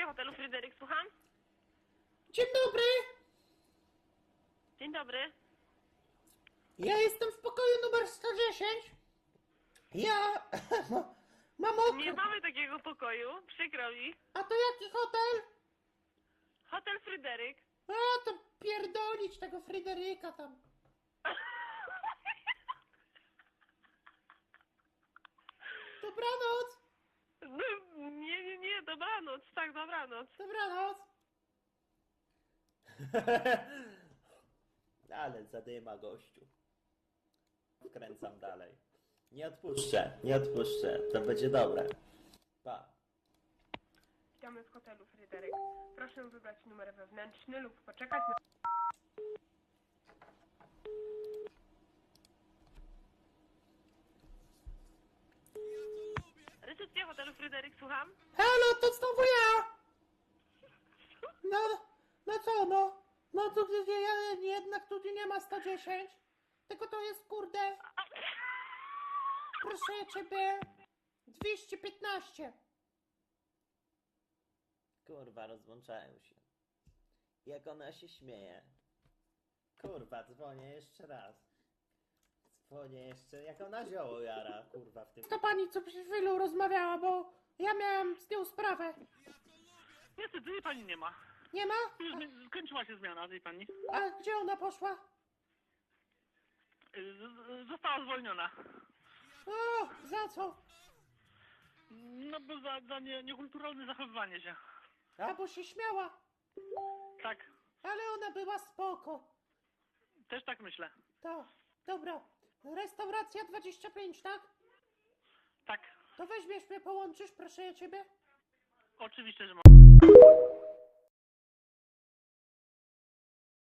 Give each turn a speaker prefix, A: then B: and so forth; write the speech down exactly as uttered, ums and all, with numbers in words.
A: hotelu Fryderyk, słucham?
B: Dzień dobry!
A: Dzień dobry.
B: Ja jestem w pokoju numer sto dziesięć. Ja mam okno.
A: Nie mamy takiego pokoju, przykro mi.
B: A to jaki hotel?
A: Hotel Fryderyk.
B: A to pierdolić tego Fryderyka tam. Dobranoc!
A: No, nie, nie, nie, dobranoc, tak, dobranoc.
B: Dobranoc! Ale zadyma gościu. Wkręcam dalej. Nie odpuszczę, nie odpuszczę. To będzie dobre. Pa.
A: Witamy w hotelu Fryderyk. Proszę wybrać numer wewnętrzny lub poczekać na... Recepcja hotelu Fryderyk, słucham?
B: Halo, to znowu ja! No, no co no? No to ja, jednak tu nie ma sto dziesięć. Tylko to jest kurde. Proszę ciebie. dwieście piętnaście. Kurwa, rozłączają się. Jak ona się śmieje. Kurwa, dzwonię jeszcze raz. Dzwonię jeszcze, jak ona zioło jara, kurwa, w tym... To pani, co przed chwilą rozmawiała, bo ja miałam z nią sprawę.
C: Niestety, tej pani nie ma.
B: Nie ma?
C: Już mi- skończyła się zmiana tej pani.
B: A gdzie ona poszła?
C: Y, z- Została zwolniona.
B: O, za co?
C: No bo za, za nie, niekulturalne zachowywanie się.
B: A, bo się śmiała.
C: Tak,
B: Ale ona była spoko.
C: też tak myślę.
B: To, dobra. Restauracja dwadzieścia pięć, tak?
C: Tak,
B: To weźmiesz mnie, połączysz, proszę ja ciebie.
C: oczywiście, że mam.